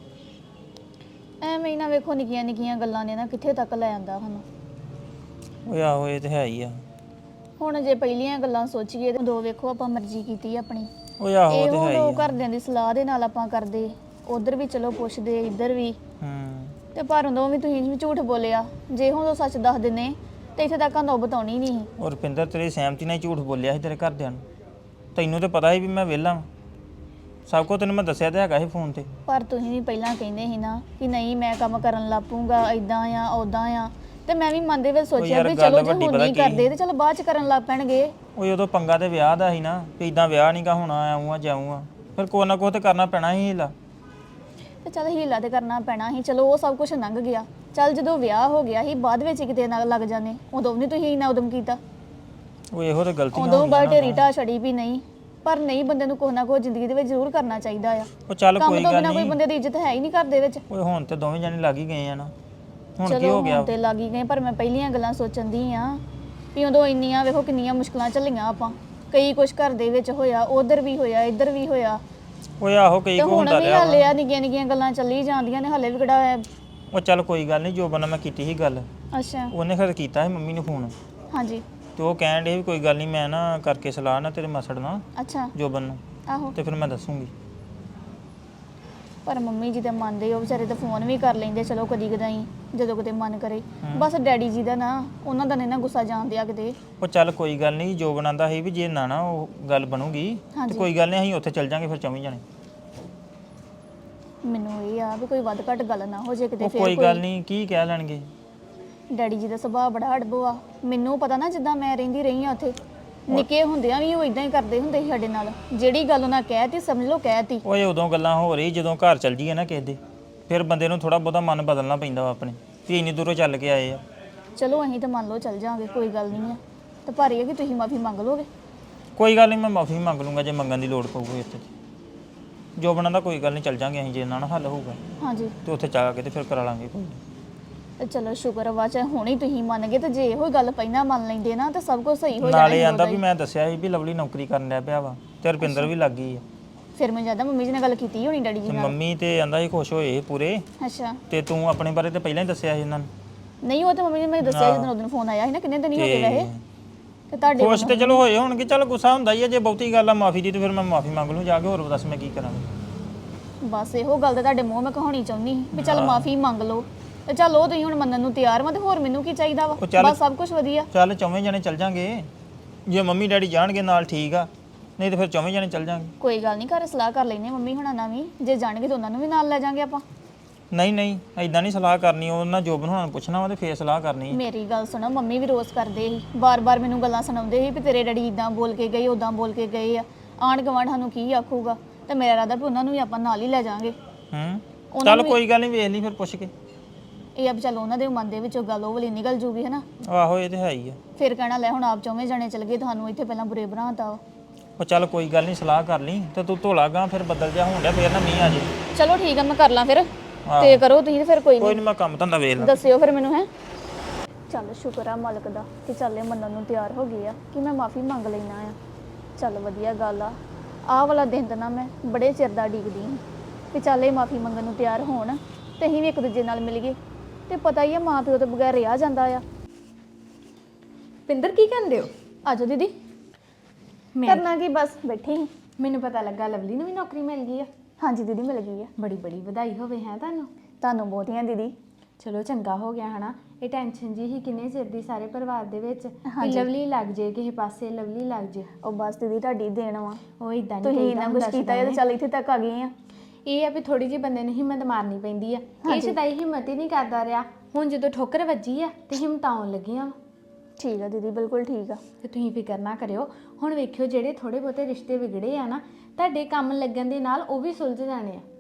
ਐਵੇਂ ਹੀ ਨਾ ਵੇਖੋ, ਨਿੱਕੀਆਂ ਨਿੱਕੀਆਂ ਗੱਲਾਂ ਨੇ ਨਾ ਕਿੱਥੇ ਤੱਕ ਲੈ ਆਂਦਾ ਸਾਨੂੰ।
ਓਏ ਆਹੋ, ਇਹ ਤੇ ਹੈ ਹੀ ਆ।
ਹੁਣ ਜੇ ਪਹਿਲੀਆਂ ਗੱਲਾਂ ਸੋਚੀਏ ਤੇ ਉਦੋਂ ਵੇਖੋ ਆਪਾਂ ਮਰਜ਼ੀ ਕੀਤੀ ਆਪਣੀ।
ਓਏ ਆਹੋ, ਇਹ ਤੇ
ਇਹੋ
ਹੈ ਹੀ
ਲੋਕ
ਆ।
ਘਰਦਿਆਂ ਦੀ ਸਲਾਹ ਦੇ ਨਾਲ ਆਪਾਂ ਕਰਦੇ, ਉਧਰ ਵੀ ਚਲੋ ਪੁੱਛਦੇ, ਇੱਧਰ ਵੀ। ਤੇ ਪਰ ਉਦੋਂ ਵੀ ਤੁਸੀਂ ਵੀ ਝੂਠ ਬੋਲਿਆ। ਜੇ ਹੁਣ ਉਹ ਸੱਚ ਦੱਸ ਦਿੰਦੇ ਤੇ ਇੱਥੇ ਤੱਕ ਨੌਬਤ ਆਉਣੀ ਨਹੀਂ ਸੀ।
ਔਰ ਰੁਪਿੰਦਰ ਤੇਰੀ ਸਹਿਮਤੀ ਨਾਲ ਹੀ ਝੂਠ ਬੋਲਿਆ ਸੀ ਤੇਰੇ ਘਰਦਿਆਂ ਨੂੰ। ਤੈਨੂੰ ਤੇ ਪਤਾ ਸੀ ਵੀ ਮੈਂ ਵਿਹਲਾ ਵਾਂ, ਸਭ ਕੁਝ ਤੈਨੂੰ ਮੈਂ ਦੱਸਿਆ ਤੇ ਹੈਗਾ ਸੀ ਫੋਨ ਤੇ।
ਪਰ ਤੁਸੀਂ ਵੀ ਪਹਿਲਾਂ ਕਹਿੰਦੇ ਸੀ ਨਾ ਕਿ ਨਹੀਂ ਮੈਂ ਕੰਮ ਕਰਨ ਲੱਗ ਪਊਂਗਾ, ਇਦਾਂ ਆ ਉਦਾਂ ਆ, ਤੇ ਮੈਂ ਵੀ ਮਨ ਦੇ ਵਿੱਚ ਸੋਚਿਆ ਵੀ ਚਲੋ ਜੇ ਹੁਣ ਨਹੀਂ ਕਰਦੇ ਤੇ ਚਲ ਬਾਅਦ ਚ ਕਰਨ ਲੱਗ ਪੈਣਗੇ।
ਓਏ ਉਦੋਂ ਪੰਗਾ ਤੇ ਵਿਆਹ ਦਾ ਸੀ ਨਾ, ਵੀ ਇਦਾਂ ਵਿਆਹ ਨਹੀਂ ਗਾ ਹੋਣਾ, ਆਊਂ ਆ ਜਾਊਂ ਆ, ਫਿਰ ਕੋਈ ਨਾ ਕੋਈ ਤੇ ਕਰਨਾ ਪੈਣਾ ਸੀ ਹੀਲਾ।
ਤੇ ਚਲ ਹੀਲਾ ਤੇ ਕਰਨਾ ਪੈਣਾ ਸੀ, ਚਲੋ ਉਹ ਸਭ ਕੁਝ ਲੰਘ ਗਿਆ। ਚੱਲ ਜਦੋਂ ਵਿਆਹ ਹੋ ਗਿਆ ਸੀ, ਬਾਅਦ ਵਿੱਚ ਕਿਤੇ ਨਾ ਲੱਗ ਜਾਣੇ, ਉਦੋਂ ਨਹੀਂ ਤੁਸੀਂ ਇੰਨਾ ਉਦਮ ਕੀਤਾ।
ਉਹ ਇਹੋ ਤੇ ਗਲਤੀਆਂ
ਉਦੋਂ ਬਾਅਦ ਢੇਰੀ ਢਾਹ ਛੜੀ ਵੀ ਨਹੀਂ। ਪਰ ਨਹੀਂ, ਬੰਦੇ ਨੂੰ ਕੁਛ ਨਾ ਕੁਛ ਜ਼ਿੰਦਗੀ ਦੇ ਵਿੱਚ ਜ਼ਰੂਰ ਕਰਨਾ ਚਾਹੀਦਾ ਆ।
ਉਹ ਚੱਲ
ਕੰਮ
ਕੋਈ
ਤੋਂ
ਗੱਲ
ਬਿਨਾਂ ਕੋਈ
ਨਹੀਂ।
ਬੰਦੇ ਦੀ ਇੱਜ਼ਤ ਹੈ ਹੀ ਨਹੀਂ ਘਰ ਦੇ ਵਿੱਚ।
ਓਏ ਹੁਣ ਤੇ ਦੋਵੇਂ ਜਾਣੇ ਲੱਗ ਹੀ ਗਏ ਆ ਨਾ, ਹੁਣ ਕੀ
ਚਲੋ
ਹੋ ਗਿਆ?
ਹੁਣ ਤੇ ਲੱਗ ਹੀ ਗਏ, ਪਰ ਮੈਂ ਪਹਿਲੀਆਂ ਗੱਲਾਂ ਸੋਚਣ ਦੀ ਆ ਵੀ ਉਦੋਂ ਇੰਨੀਆਂ ਵੇਖੋ ਕਿੰਨੀਆਂ ਮੁਸ਼ਕਲਾਂ ਝੱਲੀਆਂ ਆਪਾਂ। ਕਈ ਕੁਛ ਘਰ ਦੇ ਵਿੱਚ ਹੋਇਆ, ਉਧਰ ਵੀ ਹੋਇਆ, ਇੱਧਰ ਵੀ ਹੋਇਆ।
ਓਏ ਆਹੋ, ਕਈ
ਤੇ
ਕੁ
ਹੁਣ
ਹੁੰਦਾ
ਵੀ
ਰਿਹਾ
ਹਾਲੇ
ਵਾ।
ਆ ਨਿੱਕੀਆਂ ਨਿੱਕੀਆਂ ਗੱਲਾਂ ਚੱਲੀ ਜਾਂਦੀਆਂ ਨੇ, ਹਾਲੇ ਵੀ ਕਿਹੜਾ।
ਉਹ ਚੱਲ ਕੋਈ ਗੱਲ ਨਹੀਂ, ਜੋਬਨ ਨਾਲ ਮੈਂ ਕੀਤੀ ਸੀ ਗੱਲ,
ਅੱਛਾ।
ਉਹਨੇ ਫਿਰ ਕੀਤਾ ਸੀ ਮੰਮੀ ਨੂੰ ਫੋਨ,
ਹਾਂਜੀ।
ਤੇ ਉਹ ਕਹਿਣ ਡੇ ਵੀ ਕੋਈ ਗੱਲ ਨਹੀਂ, ਮੈਂ ਨਾ ਕਰਕੇ ਸਲਾਹ ਨਾ ਤੇਰੇ ਮਸੜ ਨਾਲ,
ਅੱਛਾ।
ਜੋਬਨ ਨੂੰ,
ਆਹੋ।
ਤੇ ਫਿਰ ਮੈਂ ਦੱਸੂਗੀ।
ਪਰ ਮੰਮੀ ਜੀ ਤਾਂ ਮੰਨਦੇ, ਉਹ ਵਿਚਾਰੇ ਤਾਂ ਫੋਨ ਵੀ ਕਰ ਲੈਂਦੇ, ਚਲੋ ਕਦੀ ਕਦਾਈ ਜਦੋਂ ਕਿਤੇ ਮਨ ਕਰੇ। ਬਸ ਡੈਡੀ ਜੀ ਦਾ ਨਾ, ਉਹਨਾਂ ਦਾ ਨਹੀਂ ਨਾ ਗੁੱਸਾ ਜਾਣਦਿਆ ਕਿਤੇ।
ਉਹ ਚੱਲ ਕੋਈ ਗੱਲ ਨਹੀਂ, ਜੋਬਨ ਆਂਦਾ ਸੀ ਵੀ ਜੇ ਨਾ ਉਹ ਗੱਲ ਬਣੂਗੀ ਤੇ ਕੋਈ ਗੱਲ ਨਹੀਂ, ਅਸੀਂ ਉੱਥੇ ਚੱਲ ਜਾਾਂਗੇ ਫਿਰ ਚੌਵੀਂ ਜਾਣੇ।
ਮੈਨੂੰ ਇਹ ਆ ਵੀ ਕੋਈ ਵੱਧ ਘੱਟ ਗੱਲ ਨਾ ਹੋ ਜੇ ਕਿਤੇ।
ਉਹ
ਫਿਰ
ਕੋਈ ਗੱਲ ਨਹੀਂ, ਕੀ ਕਹਿ ਲੈਣਗੇ?
ਡੈਡੀ ਜੀ ਦਾ ਸੁਭਾਅ ਬੜਾ ਅੜਬੋ ਆ। ਮੈਨੂੰ ਪਤਾ ਨਾ, ਜਿੱਦਾਂ ਮੈਂ ਰਹਿੰਦੀ ਰਹੀ ਆ ਉੱਥੇ, ਨਿੱਕੇ ਹੁੰਦਿਆਂ ਵੀ ਉਹ ਇਦਾਂ ਹੀ ਕਰਦੇ ਹੁੰਦੇ ਸੀ ਸਾਡੇ ਨਾਲ। ਜਿਹੜੀ ਗੱਲ ਉਹਨਾਂ ਕਹਿਤੀ ਸਮਝ ਲਓ ਕਹਿਤੀ।
ਓਏ ਉਦੋਂ ਗੱਲਾਂ ਹੋ ਰਹੀ, ਜਦੋਂ ਘਰ ਚੱਲ ਜੀਏ ਨਾ ਕਿਸੇ ਦੇ, ਫਿਰ ਬੰਦੇ ਨੂੰ ਥੋੜਾ ਬਹੁਤਾ ਮਨ ਬਦਲਣਾ ਪੈਂਦਾ ਵਾ ਆਪਣੇ, ਵੀ ਇੰਨੀ ਦੂਰੋਂ ਚੱਲ ਕੇ ਆਏ ਆ।
ਚਲੋ ਅਸੀਂ ਤਾਂ ਮੰਨ ਲਓ ਚੱਲ ਜਾਾਂਗੇ, ਕੋਈ ਗੱਲ ਨਹੀਂ ਆ। ਤੇ ਪਰ ਇਹ ਆ ਕਿ ਤੁਸੀਂ ਮਾਫੀ ਮੰਗ ਲਓਗੇ।
ਕੋਈ ਗੱਲ ਨਹੀਂ, ਮੈਂ ਮਾਫੀ ਮੰਗ ਲੂੰਗਾ ਜੇ ਮੰਗਣ ਦੀ ਲੋੜ ਪਊਗੀ ਇੱਥੇ। ਜੋਬਨਾਂ ਦਾ ਕੋਈ ਗੱਲ ਨਹੀਂ, ਚੱਲ ਜਾਾਂਗੇ ਅਸੀਂ, ਜੇ ਨਾ ਹੱਲ ਹੋਊਗਾ
ਹਾਂਜੀ।
ਤੇ ਉੱਥੇ ਜਾ ਕੇ ਤੇ ਫਿਰ ਕਰਾ ਲਾਂਗੇ ਕੋਈ।
ਤੇ ਚਲੋ ਸ਼ੁਕਰ ਵਾ, ਚਾਹੇ ਹੁਣੇ ਤੁਸੀਂ ਮੰਨ ਗਏ, ਤੇ ਜੇ ਇਹੋ ਗੱਲ ਪਹਿਲਾਂ ਮੰਨ ਲੈਂਦੇ ਨਾ ਤਾਂ ਸਭ ਕੁਝ ਸਹੀ ਹੋ ਜਾਣਾ।
ਨਾਲੇ ਆਂਦਾ ਵੀ ਮੈਂ ਦੱਸਿਆ ਸੀ ਵੀ ਲਵਲੀ ਨੌਕਰੀ ਕਰਨ ਲੱਗ ਪਿਆ ਵਾ, ਤੇ ਰੁਪਿੰਦਰ ਵੀ ਲੱਗ ਗਈ ਆ।
ਫਿਰ ਮੈਂ ਜਿਆਦਾ ਮੰਮੀ ਜੀ ਨਾਲ ਗੱਲ ਕੀਤੀ ਹੋਣੀ ਡੈਡੀ ਜੀ
ਤੇ
ਨਾਲ।
ਮੰਮੀ ਤੇ ਕਹਿੰਦਾ ਸੀ ਖੁਸ਼ ਹੋਏ ਪੂਰੇ,
ਅੱਛਾ।
ਤੇ ਤੂੰ ਆਪਣੇ ਬਾਰੇ ਤੇ ਪਹਿਲਾਂ ਹੀ ਦੱਸਿਆ ਸੀ ਇਹਨਾਂ ਨੂੰ।
ਨਹੀਂ ਉਹ ਤਾਂ ਮੰਮੀ ਨੇ ਮੈਨੂੰ ਦੱਸਿਆ ਜਦੋਂ ਉਦੋਂ ਫੋਨ ਆਇਆ ਸੀ ਨਾ, ਕਿੰਨੇ ਦਿਨ ਹੀ ਹੋ ਗਏ ਵੈਸੇ। ਤੇ ਤੁਹਾਡੇ
ਖੁਸ਼ ਤੇ ਚਲੋ ਹੋਏ ਹੋਣਗੇ, ਚੱਲ ਗੁੱਸਾ ਹੁੰਦਾ ਹੀ ਆ, ਜੇ ਬਹੁਤੀ ਗੱਲ ਆ ਮਾਫੀ ਦੀ ਤੇ ਫਿਰ ਮੈਂ ਮਾਫੀ ਮੰਗ ਲੂੰ ਜਾ ਕੇ, ਹੋਰ ਦੱਸ ਮੈਂ ਕੀ ਕਰਾਂਗਾ।
ਬਸ ਇਹੋ ਗੱਲ ਤੇ ਤੁਹਾਡੇ ਮੂੰਹ ਮੈਂ ਕਹਾਉਣੀ ਚਾਹੁੰਦੀ ਸੀ ਵੀ ਚੱਲ ਮਾਫੀ ਮੰਗ ਲਓ, ਤੇ ਚੱਲ ਉਹ ਤੁਸੀਂ ਹੁਣ ਮੰਨਣ ਨੂੰ ਤਿਆਰ ਵਾ, ਤੇ ਹੋਰ ਮੈਨੂੰ ਕੀ ਚਾਹੀਦਾ ਵਾ, ਬਸ ਸਭ ਕੁਝ ਵਧੀਆ।
ਚੱਲ ਚੌਵੇਂ ਜਣੇ ਚੱਲ ਜਾਾਂਗੇ, ਜੇ ਮੰਮੀ ਡੈਡੀ ਜਾਣਗੇ ਨਾਲ ਠੀਕ ਆ, ਨਹੀਂ ਤੇ ਫਿਰ ਚੌਵੇਂ ਜਣੇ ਚੱਲ ਜਾਾਂਗੇ।
ਕੋਈ ਗੱਲ ਨਹੀਂ, ਘਰ ਸਲਾਹ ਕਰ ਲੈਨੇ ਮੰਮੀ ਹੁਣਾਂ ਨਾਲ ਵੀ, ਜੇ ਜਾਣਗੇ ਤਾਂ ਉਹਨਾਂ ਨੂੰ ਵੀ ਨਾਲ ਲੈ ਜਾਾਂਗੇ ਆਪਾਂ।
ਨਹੀਂ ਨਹੀਂ ਐਦਾਂ ਨਹੀਂ ਸਲਾਹ ਕਰਨੀ, ਉਹਨਾਂ ਜੋਬਨ ਹੋਣਾ ਨੂੰ ਪੁੱਛਣਾ ਵਾ ਤੇ ਫੇਰ ਸਲਾਹ ਕਰਨੀ।
ਮੇਰੀ ਗੱਲ ਸੁਣੋ, ਮੰਮੀ ਵੀ ਰੋਜ਼ ਕਰਦੇ ਸੀ, ਬਾਰ-ਬਾਰ ਮੈਨੂੰ ਗੱਲਾਂ ਸੁਣਾਉਂਦੇ ਸੀ ਵੀ ਤੇਰੇ ਡੈਡੀ ਇਦਾਂ ਬੋਲ ਕੇ ਗਏ, ਉਦਾਂ ਬੋਲ ਕੇ ਗਏ ਆ, ਆਂਢ ਗੁਆਂਢ ਸਾਨੂੰ ਕੀ ਆਖੂਗਾ, ਤੇ ਮੇਰਾ ਇਰਾਦਾ ਵੀ ਉਹਨਾਂ ਨੂੰ ਵੀ ਆਪਾਂ ਨਾਲ ਹੀ ਲੈ ਜਾਾਂਗੇ।
ਚੱਲ ਕੋਈ ਗੱਲ ਨਹੀਂ, ਵੇਖ ਲਈ ਫਿਰ ਪੁੱਛ ਕੇ।
ਇਹ ਆ ਵੀ ਚੱਲ ਉਹਨਾਂ ਦੇ ਮਨ ਦੇ ਵਿੱਚੋਂ ਗੱਲ ਉਹ ਵਾਲੀ ਨਿਕਲ ਜੂਗੀ, ਹੈ ਨਾ।
ਆਹੋ ਇਹ ਤੇ ਹੈ ਹੀ ਆ।
ਫਿਰ ਕਹਿਣਾ ਲੈ ਹੁਣ ਆਪ ਚੌਵੇਂ ਜਣੇ ਚਲ ਗਏ, ਤੁਹਾਨੂੰ ਇੱਥੇ ਪਹਿਲਾਂ ਬੁਰੇ ਬਣਾਤਾ ਵਾ।
ਉਹ ਚੱਲ ਕੋਈ ਗੱਲ ਨਹੀਂ, ਸਲਾਹ ਕਰ ਲਈ ਤੇ ਤੂੰ ਧੋਲਾ ਗਾ, ਫਿਰ ਬੱਦਲ ਜਾ ਹੋਣ ਡਿਆ, ਫੇਰ ਨਾ ਮੀਂਹ ਆ ਜੇ।
ਚਲੋ ਠੀਕ ਆ, ਮੈਂ ਕਰ ਲਾਂ ਫਿਰ, ਤੇ ਕਰੋ ਤੁਸੀਂ, ਤੇ ਫਿਰ ਕੋਈ
ਕੋਈ
ਨਹੀਂ
ਨਹੀਂ ਮੈਂ ਕੰਮ ਧੰਦਾ ਵੇਖ ਲਾਂ।
ਦੱਸਿਓ ਫਿਰ ਮੈਨੂੰ, ਹੈ। ਚੱਲ ਸ਼ੁਕਰ ਆ ਮਾਲਕ ਦਾ ਕਿ ਚੱਲ ਇਹ ਮੰਨਣ ਨੂੰ ਤਿਆਰ ਹੋ ਗਏ ਆ ਕਿ ਮੈਂ ਮਾਫੀ ਮੰਗ ਲੈਣਾ ਆ। ਚੱਲ ਵਧੀਆ ਗੱਲ ਆ, ਆਹ ਵਾਲਾ ਦਿਨ ਤਾਂ ਨਾ ਮੈਂ ਬੜੇ ਚਿਰ ਦਾ ਉਡੀਕਦੀ ਹਾਂ ਕਿ ਚੱਲ ਇਹ ਮਾਫੀ ਮੰਗਣ ਨੂੰ ਤਿਆਰ ਹੋਣ, ਤੇ ਅਸੀਂ ਵੀ ਇੱਕ ਦੂਜੇ ਨਾਲ ਮਿਲ ਗਏ। ਤੇ ਪਤਾ ਹੀ ਆ ਮਾਂ ਪਿਓ ਤੋਂ ਬਗੈਰ ਰਿਹਾ ਜਾਂਦਾ ਆ।
ਪਿੰਦਰ ਕੀ ਕਹਿੰਦੇ ਹੋ?
ਆਜੋ ਦੀਦੀ।
ਮੈਂ
ਕਰਨਾ ਕੀ, ਬਸ ਬੈਠੀ ਸੀ।
ਮੈਨੂੰ ਪਤਾ ਲੱਗਾ ਲਵਲੀ ਨੂੰ ਵੀ ਨੌਕਰੀ ਮਿਲ ਗਈ ਆ।
ਹਾਂਜੀ ਦੀਦੀ, ਮਿਲ ਗਈ ਆ।
ਬੜੀ ਬੜੀ ਵਧਾਈ ਹੋਵੇ ਹੈ ਤੁਹਾਨੂੰ।
ਤੁਹਾਨੂੰ ਬਹੁਤੀਆਂ ਦੀਦੀ।
ਚਲੋ ਚੰਗਾ ਹੋ ਗਿਆ ਹਨਾ, ਇਹ ਟੈਨਸ਼ਨ ਜੀ ਹੀ ਕਿੰਨੇ ਚਿਰ ਦੀ ਸਾਰੇ ਪਰਿਵਾਰ ਦੇ ਵਿੱਚ ਵੀ ਲਵਲੀ ਲੱਗ ਜੇ ਕਿਸੇ ਪਾਸੇ, ਲਵਲੀ ਲੱਗ ਜੇ।
ਉਹ ਬਸ ਦੀਦੀ ਤੁਹਾਡੀ ਦੇਣ ਵਾ,
ਉਹ ਇਦਾਂ ਨਹੀਂ
ਤੁਸੀਂ ਇੰਨਾ ਕੁਝ ਕੀਤਾ ਹੈ, ਤੇ ਚੱਲ ਇੱਥੇ ਤੱਕ ਆ ਗਏ ਆ।
ਇਹ ਆ ਵੀ ਥੋੜੀ ਜਿਹੀ ਬੰਦੇ ਨੂੰ ਹਿੰਮਤ ਮਾਰਨੀ ਪੈਂਦੀ ਆ। ਇਹ ਸ਼ਦਾਈ ਹਿੰਮਤ ਹੀ ਨਹੀਂ ਕਰਦਾ ਰਿਹਾ, ਹੁਣ ਜਦੋਂ ਠੋਕਰ ਵੱਜੀ ਆ ਤੇ ਹਿੰਮਤ ਆਉਣ ਲੱਗੀਆਂ ਵਾ।
ਠੀਕ ਆ ਦੀਦੀ, ਬਿਲਕੁਲ ਠੀਕ ਆ।
ਤੇ ਤੁਸੀਂ ਫਿਕਰ ਨਾ ਕਰਿਓ, ਹੁਣ ਵੇਖਿਓ ਜਿਹੜੇ ਥੋੜੇ ਬਹੁਤੇ ਰਿਸ਼ਤੇ ਵਿਗੜੇ ਆ ਨਾ, ਤੁਹਾਡੇ ਕੰਮ ਲੱਗਣ ਦੇ ਨਾਲ ਉਹ ਵੀ ਸੁਲਝ ਜਾਣੇ ਆ।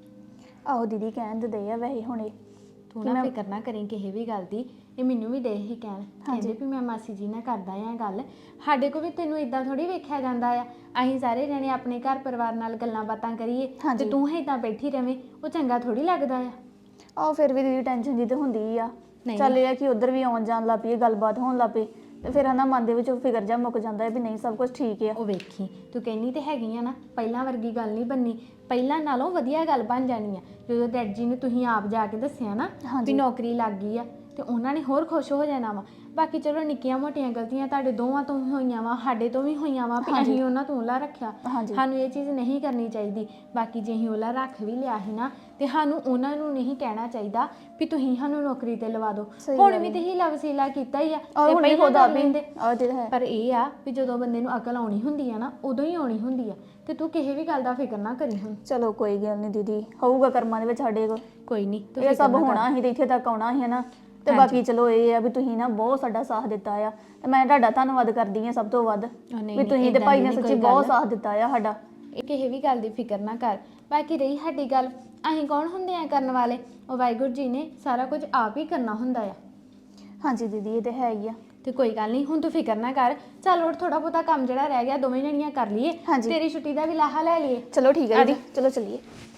ਆਹੋ ਦੀਦੀ, ਕਹਿਣ ਤੇ ਦੇ ਆ ਵੈਸੇ ਹੁਣੇ।
ਤੂੰ ਨਾ ਫਿਕਰ ਨਾ ਕਰੀ ਕਿਸੇ ਵੀ ਗੱਲ ਦੀ, ਇਹ ਮੈਨੂੰ ਵੀ ਦੇ ਹੀ ਕਹਿਣ, ਕਹਿੰਦੇ ਵੀ ਮੈਂ ਮਾਸੀ ਜੀ ਨਾਲ ਕਰਦਾ ਆ ਗੱਲ। ਸਾਡੇ ਕੋਲ ਵੀ ਤੈਨੂੰ ਇਦਾਂ ਥੋੜੀ ਵੇਖਿਆ ਜਾਂਦਾ ਆ, ਅਸੀਂ ਸਾਰੇ ਜਣੇ ਆਪਣੇ ਘਰ ਪਰਿਵਾਰ ਨਾਲ ਗੱਲਾਂ ਬਾਤਾਂ ਕਰੀਏ ਤੇ ਤੂੰ ਇਦਾਂ ਬੈਠੀ ਰਵੇਂ, ਉਹ ਚੰਗਾ ਥੋੜੀ ਲੱਗਦਾ ਆ।
ਆਹੋ ਫਿਰ ਵੀ ਦੀਦੀ ਟੈਨਸ਼ਨ ਜੀ ਤੇ ਹੁੰਦੀ ਆ। ਚੱਲ ਇਹ ਆ ਕਿ ਉਧਰ ਵੀ ਆਉਣ ਜਾਣ ਲੱਗ ਪਈ, ਗੱਲਬਾਤ ਹੋਣ ਲੱਗ ਪਈ, ਤੇ ਫਿਰ ਹਨਾ ਮਨ ਦੇ ਵਿੱਚੋਂ ਫਿਕਰ ਜਾ ਮੁੱਕ ਜਾਂਦਾ ਹੈ ਵੀ ਨਹੀਂ ਸਭ ਕੁਝ ਠੀਕ ਆ।
ਉਹ ਵੇਖੀ ਤੂੰ ਕਹਿੰਦੀ ਤੇ ਹੈਗੀ ਆ ਨਾ, ਪਹਿਲਾਂ ਵਰਗੀ ਗੱਲ ਨਹੀਂ ਬਣਨੀ, ਪਹਿਲਾਂ ਨਾਲੋਂ ਵਧੀਆ ਗੱਲ ਬਣ ਜਾਣੀ ਆ। ਜਦੋਂ ਡੈਡ ਜੀ ਨੂੰ ਤੁਸੀਂ ਆਪ ਜਾ ਕੇ ਦੱਸਿਆ ਨਾ ਵੀ ਨੌਕਰੀ ਲੱਗ ਗਈ ਆ, ਤੇ ਉਹਨਾਂ ਨੇ ਹੋਰ ਖੁਸ਼ ਹੋ ਜਾਣਾ ਵਾ। ਬਾਕੀ ਚਲੋ ਨਿੱਕੀਆਂ ਮੋਟੀਆਂ ਗਲਤੀਆਂ ਤੁਹਾਡੇ ਦੋਵਾਂ ਤੋਂ ਵੀ ਹੋਈਆਂ ਵਾ, ਸਾਡੇ ਤੋਂ ਵੀ ਹੋਈਆਂ ਵਾ ਵੀ ਅਸੀਂ ਉਹਨਾਂ ਤੋਂ ਉਹਲਾ ਰੱਖਿਆ। ਸਾਨੂੰ ਇਹ ਚੀਜ਼ ਨਹੀਂ ਕਰਨੀ ਚਾਹੀਦੀ। ਬਾਕੀ ਜੇ ਅਸੀਂ ਉਹਲਾ ਰੱਖ ਵੀ ਲਿਆ ਸੀ ਨਾ, ਤੇ ਸਾਨੂੰ ਉਹਨਾਂ ਨੂੰ ਨਹੀਂ ਕਹਿਣਾ ਚਾਹੀਦਾ ਵੀ ਤੁਸੀਂ ਸਾਨੂੰ ਨੌਕਰੀ ਤੇ ਲਵਾ ਦਿਓ। ਹੁਣ ਵੀ ਤੇ ਹੀ ਲਵਸੀਲਾ ਕੀਤਾ ਹੀ ਆ, ਤੇ ਪਹਿਲਾਂ ਕਰ ਲੈਂਦੇ। ਪਰ ਇਹ ਆ ਵੀ ਜਦੋਂ ਬੰਦੇ ਨੂੰ ਅਕਲ ਆਉਣੀ ਹੁੰਦੀ ਆ ਨਾ, ਉਦੋਂ ਹੀ ਆਉਣੀ ਹੁੰਦੀ ਆ। ਤੇ ਤੂੰ ਕਿਸੇ ਵੀ ਗੱਲ ਦਾ ਫਿਕਰ ਨਾ ਕਰੀ ਹੁਣ।
ਚਲੋ ਕੋਈ ਗੱਲ ਨਹੀਂ ਦੀਦੀ, ਹੋਊਗਾ ਕਰਮਾਂ ਦੇ ਵਿੱਚ ਸਾਡੇ ਕੋਲ।
ਕੋਈ ਨਹੀਂ,
ਇਹ ਸਭ ਹੋਣਾ ਸੀ ਤੇ ਇੱਥੇ ਤੱਕ ਆਉਣਾ ਸੀ ਨਾ। ਤੇ ਬਾਕੀ ਚਲੋ ਇਹ ਆ ਵੀ ਤੁਸੀਂ ਨਾ ਬਹੁਤ ਸਾਡਾ ਸਾਥ ਦਿੱਤਾ ਆ, ਤੇ ਮੈਂ ਤੁਹਾਡਾ ਧੰਨਵਾਦ ਕਰਦੀ ਆ ਸਭ ਤੋਂ ਵੱਧ ਵੀ ਤੁਸੀਂ ਤੇ ਭਾਈ ਨੇ ਸੱਚੀ ਬਹੁਤ ਸਾਥ ਦਿੱਤਾ ਆ ਸਾਡਾ।
ਇਹ ਕਿਸੇ ਵੀ ਗੱਲ ਦੀ ਫਿਕਰ ਨਾ ਕਰ। ਬਾਕੀ ਰਹੀ ਸਾਡੀ ਗੱਲ, ਅਸੀਂ ਕੌਣ ਹੁੰਦੇ ਆ ਕਰਨ ਵਾਲੇ, ਉਹ ਵਾਹਿਗੁਰੂ ਜੀ ਨੇ ਸਾਰਾ ਕੁਝ ਆਪ ਹੀ ਕਰਨਾ ਹੁੰਦਾ ਆ।
ਹਾਂਜੀ ਦੀਦੀ, ਇਹ ਤੇ ਹੈ ਹੀ ਆ।
ਤੇ ਕੋਈ ਗੱਲ ਨਹੀਂ, ਹੁਣ ਤੂੰ ਫਿਕਰ ਨਾ ਕਰ। ਚੱਲ ਹੋਰ ਥੋੜਾ ਬਹੁਤਾ ਕੰਮ ਜਿਹੜਾ ਰਹਿ ਗਿਆ ਦੋਵੇਂ ਜਣੀਆਂ ਕਰ ਲਈਏ, ਤੇਰੀ ਛੁੱਟੀ ਦਾ ਵੀ ਲਾਹਾ ਲੈ ਲਈਏ।
ਚਲੋ ਠੀਕ ਹੈ ਦੀਦੀ, ਚਲੋ ਚੱਲੀਏ।